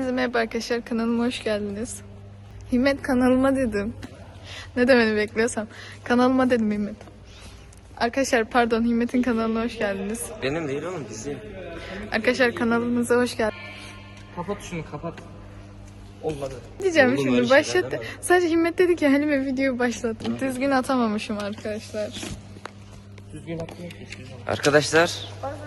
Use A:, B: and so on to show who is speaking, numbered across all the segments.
A: Hepinize merhaba arkadaşlar, kanalıma hoş geldiniz. Himmet kanalıma dedim. Ne demeni bekliyorsam. Kanalıma dedim Himmet. Arkadaşlar pardon, Himmet'in kanalına hoş geldiniz.
B: Benim değil oğlum, bizim.
A: Arkadaşlar kanalımıza hoş geldiniz.
B: Kapat şunu, kapat. Olmadı.
A: Diyeceğim
B: Oldu,
A: şimdi
B: böyle
A: başlat.
B: şeyler
A: Sadece Himmet dedi ki Halime videoyu başlattım. Düzgün atamamışım arkadaşlar.
B: Düzgün atmıyor ki. Arkadaşlar.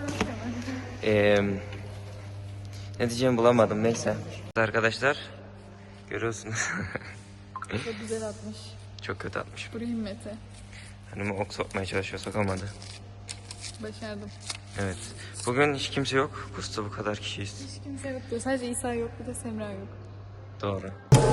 B: Ne diyeceğimi bulamadım, neyse. Arkadaşlar görüyorsunuz.
A: Çok güzel atmış.
B: Çok kötü atmışım.
A: Buraya Himmet'e.
B: Hanımı ok sokmaya çalışıyor, sokamadı.
A: Başardım.
B: Evet. Bugün hiç kimse yok. Kursta bu kadar kişiyiz.
A: Hiç kimse yok diyor. Sadece İsa yok, bir de Semra yok.
B: Doğru.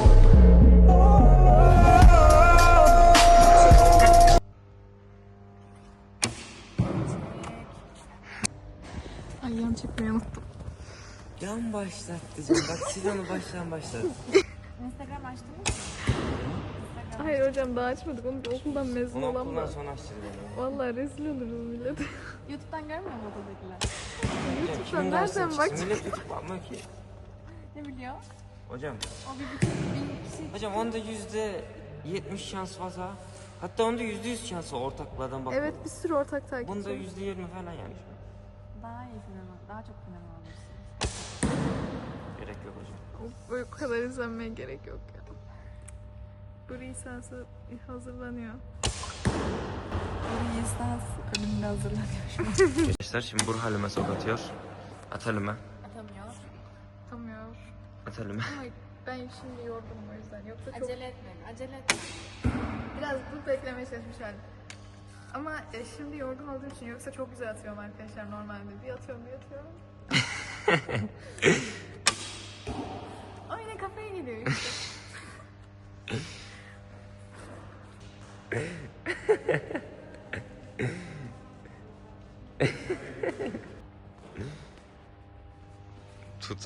A: Ay yan çekmeyi unuttum.
B: Yan başlat diyeceğim. Bak siz onu baştan başlat.
C: Instagram açtın mı?
A: Hayır hocam daha açmadık. Onu da okuldan mezun
B: Onu
A: olan
B: okuldan
A: da.
B: sonra açacağız onu.
A: Vallahi rezil oluruz millet.
C: YouTube'dan görmüyor mu odadakiler?
A: YouTube'dan nereden bak?
B: Millet YouTube bakmıyor ki.
C: Ne biliyor?
B: Hocam.
C: O 1.500 kişi.
B: Hocam onda %70 şans fazla. Hatta onda %100 şans var ortaklardan bak.
A: Evet, bir sürü ortak takipçi.
B: Bunda %20 falan yani.
C: Daha iyi sinema, daha çok sinema alırsın.
B: Gerek yok hocam.
A: Bu kadar izlenmeye gerek yok ya. Bu lisansı hazırlanıyor.
C: Bir lisans önümde hazırlanıyor şu an.
B: Arkadaşlar şimdi Burh Halime sok atıyor. At Halime.
C: Atamıyor.
A: Tamıyor.
B: At Halime.
A: Ama ben şimdi yorgunum o yüzden. Yoksa çok
C: Acele etme, acele etme.
A: biraz bu beklemeye çalışmış halim. Ama şimdi yorgun olduğum için, yoksa çok güzel atıyorum arkadaşlar normalde. Bir atıyorum, bir atıyorum. Ama yine kafaya geliyor işte.
B: Tut.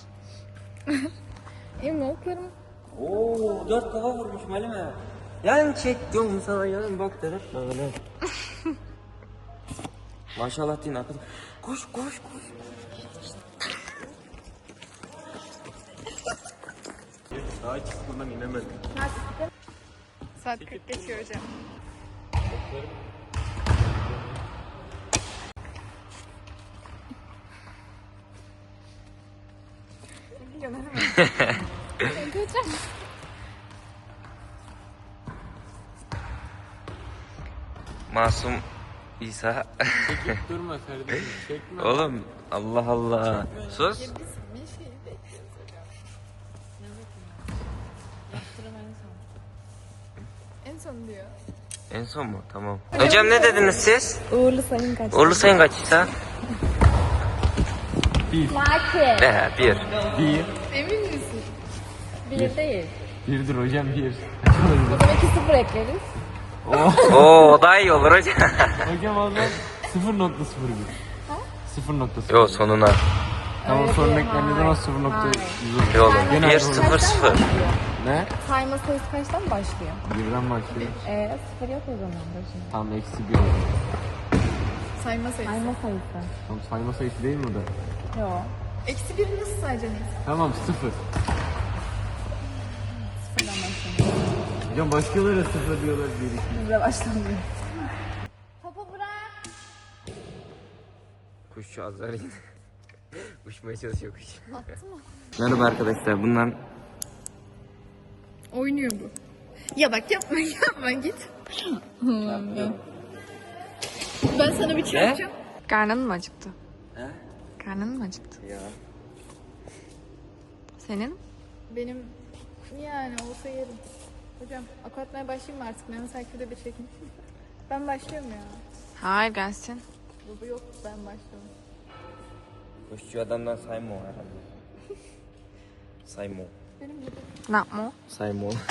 A: Emin oklarım.
B: Oo 4 kafa vurmuş Halime. Yan çek diyorum sana, yan bak dedim. Böyle. Maşallah din akıl. Koş koş koş. Daha hiç buradan inemedim.
A: Saat 40 geçiyor hocam.
B: Masum İsa.
D: Çekip durma kardeşim, çekme.
B: Oğlum Allah Allah. Sus.
A: Bir şey bekliyoruz hocam.
C: Yaptırım en son.
A: En son diyor.
B: En son mu? Tamam. Hocam ne dediniz siz?
C: Uğurlu sayın kaç?
B: Uğurlu sayın kaç İsa?
C: Laki.
B: Bir.
D: Bir.
A: Emin misin?
C: Bir değil.
D: Birdir hocam, bir.
C: O zaman 2-0 ekleriz.
B: Oo daha iyi olur hocam.
D: Hocam o zaman 0.01. 0.0.
B: Yo sonuna.
D: Tamam, sonra eklendiği zaman 0.100.
B: Yo oğlum.
D: Genel
B: 1
D: olarak.
B: 0 0.
D: Ne?
C: Sayma sayısı kaçtan başlıyor?
D: Birden başlıyor.
C: 0 yok o zaman başında.
D: Tam eksi 1 olur.
A: Sayma sayısı.
C: Sayma sayısı.
D: Tam sayma sayısı değil mi o da?
C: Yok.
A: Eksi 1'i nasıl sayacaksın?
D: Tamam, 0.
C: Sıfırdan başlıyor.
D: Hocam başkaları 0 diyorlar, 1 2.
C: Bizle başlamıyor. Topu bırak.
B: Kuşçu azar yine. Uçmaya çalışıyor kuş.
A: Attı mı?
B: Merhaba arkadaşlar, bundan
A: Oynuyor bu. Ya bak yapma yapma git. Allah'ım ya. Ben sana bir çarpacağım.
C: Karnın mı acıktı?
B: He?
C: Karnın mı acıktı?
B: Ya.
C: Senin?
A: Benim yani olsa yerim. Hocam ok atmaya başlayayım mı artık? Mehmet Akif'de bir çekin. Ben başlıyorum ya.
C: Hayır, gelsin.
A: Bu yok, ben başlıyorum.
B: Kuşçu adamdan sayma o herhalde. Sayma o.
A: Benim gibi.
C: Ne yapma?
B: Sayma o.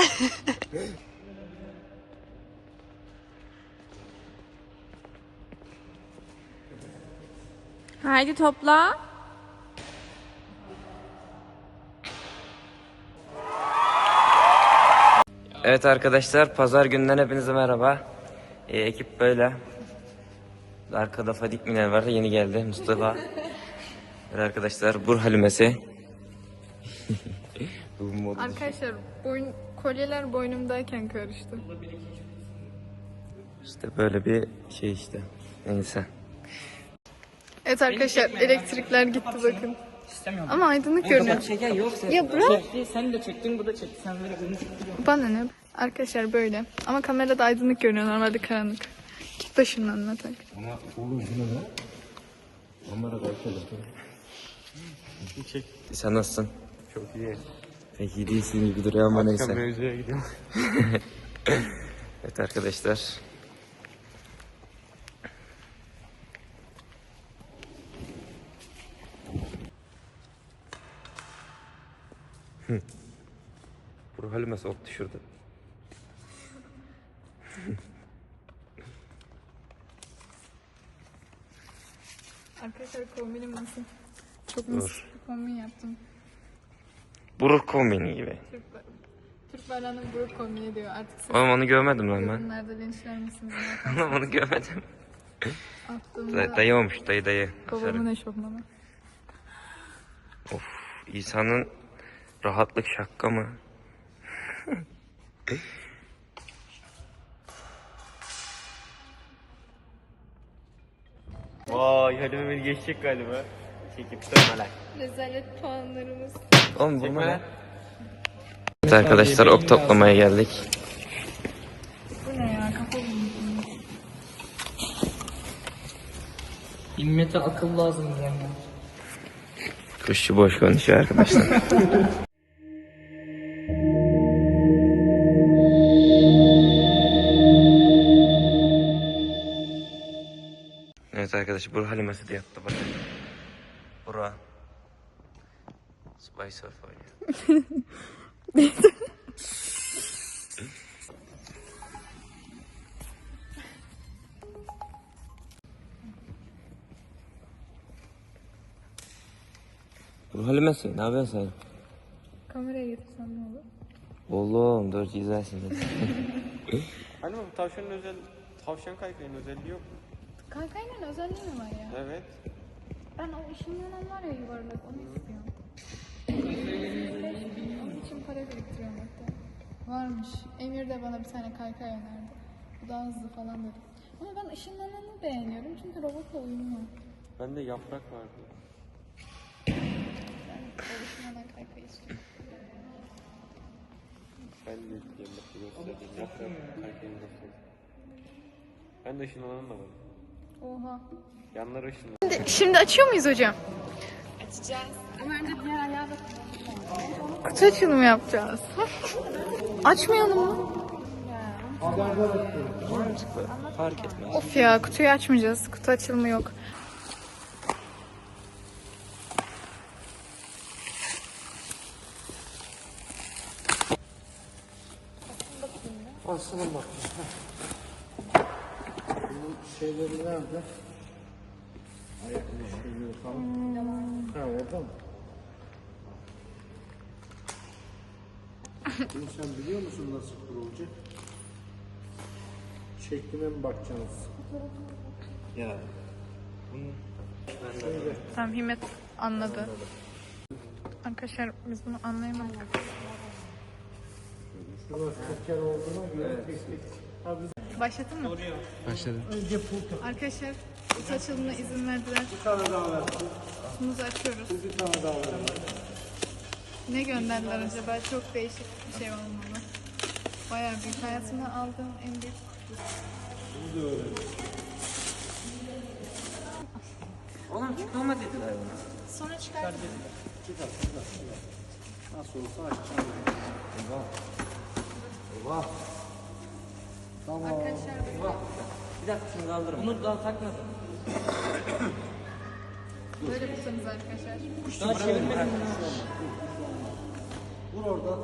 C: Haydi topla.
B: Evet arkadaşlar, pazar günden hepinize merhaba. Ekip böyle. Arkada Fadik Miner var, yeni geldi Mustafa. Evet arkadaşlar, Burh Halimesi. Bu modu
A: Arkadaşlar kolyeler boynumdayken karıştı.
B: işte böyle bir şey işte. Neyse.
A: Evet arkadaşlar elektrikler gitti bakın. Ama aydınlık görünüyor.
E: Şeker yoksa.
A: Ya bırak.
E: Sen de çektin, bu da çekti. Sen böyle bunu çektin.
A: Bana ne? Arkadaşlar böyle. Ama kamerada aydınlık görünüyor. Normalde karanlık. Git başımdan anlatak.
B: Ama oğlum bu ne? Onlara bakalım. Sen nasılsın?
D: Çok iyi.
B: Pek iyi değilsin gibi duruyor ama
D: Akşam
B: neyse.
D: mevzuya gidiyorum.
B: Evet arkadaşlar. Bu halime soktu şurada.
A: Arkadaşlar kombinim nasıl? Çok mis bir kombin yaptım.
B: Buruk kombini gibi.
A: Türk bayrağının buruk kombini diyor. Artık siz
B: Oğlum onu görmedim lan ben.
A: yorumlarda linçler misiniz?
B: Oğlum onu görmedim.
A: Attığımda
B: Dayı olmuş dayı.
A: babamın eşofmanı.
B: Of, İsa'nın rahatlık şakka mı?
D: Vay Halime beni geçecek galiba. Çekip dönmeler.
A: Rezalet puanlarımız.
B: Oğlum bu ne? Evet arkadaşlar ok toplamaya geldik.
A: Bu ne ya? Kafa bulmuş.
E: Himmete akıl lazım diyen ya.
B: Kuşçu boş konuşuyor arkadaşlar. Evet arkadaşlar Burak Halimesi de yattı bakın. Burak. Spy Surf oynuyor. Burak Halimesi ne yapıyorsun sen?
A: Kameraya getirsem ne olur?
B: Oğlum dur izlersin.
D: Hani bu tavşan kaykayının özelliği yok mu?
A: Kaykayla özelliği mi var ya?
D: Evet.
A: Ben o ışınlanan var ya yuvarlak onu istiyorum. Onun için para biriktiriyorum hatta. Varmış. Emir de bana bir tane kaykay önerdi. Bu daha hızlı falan dedi. Ama ben ışınlananı beğeniyorum çünkü robotla uyumlu.
D: Bende yaprak vardı.
A: Ben o ışınlanan kaykayı istiyorum.
D: Ben de göstereyim. Yaprak kaykayını göstereyim. Ben de ışınlanan da var.
A: Oha.
D: Yanları ışınlanan.
A: Şimdi açıyor muyuz hocam? Açacağız. Ama önce diğer ayağı da kutu açılımı yapacağız. Açmayalım mı?
B: Fark etmez.
A: Of ya kutuyu açmayacağız. Kutu açılımı yok.
F: Aslına bak. Bunun şeyleri nerede? Ayaklı şeyleri falan. Ha orada mı? Bunu sen biliyor musun nasıl kurulacak? Şekline mi bakacaksınız? Ya.
A: Tamam Himmet anladı. Arkadaşlar biz bunu anlayamadık.
F: Şurası teker olduğuna göre tek tek. Ha biz
A: Başladın mı?
D: Başladım.
F: önce pul
A: Arkadaşlar kutu açılımına izin verdiler.
F: bir tane daha versin.
A: Kutumuzu açıyoruz.
F: Bir tane daha versin.
A: Ne gönderdiler acaba? Çok değişik bir şey olmalı. Bayağı büyük. Hayatımda aldığım en büyük kutu.
B: Oğlum çıkma dediler bana.
A: Sonra çıkar.
F: Nasıl olsa açacağım.
A: Arkadaşlar
B: Bir dakika şunu kaldırın. Bunu daha takmadım.
A: böyle kutumuz arkadaşlar.
B: Daha çevirmedim.
F: Vur oradan.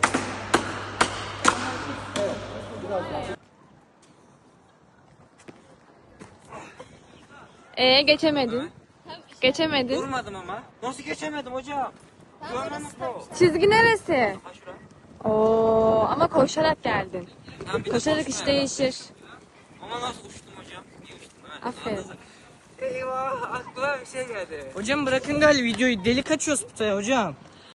C: Geçemedin. Geçemedin.
B: Durmadım ama. Nasıl geçemedim hocam? Görmemiş bu.
C: Çizgi neresi?
B: Ha şura.
C: Oo, ama koşarak geldin.
B: Lan bir de
C: Koşarak
B: koşma
C: iş
B: ya.
C: değişir.
B: Ama nasıl uçtum hocam? Niye uçtum? Evet,
C: Aferin.
B: anladım. Eyvah aklıma bir şey geldi.
E: Hocam bırakın galiba videoyu. Deli kaçıyoruz putaya hocam.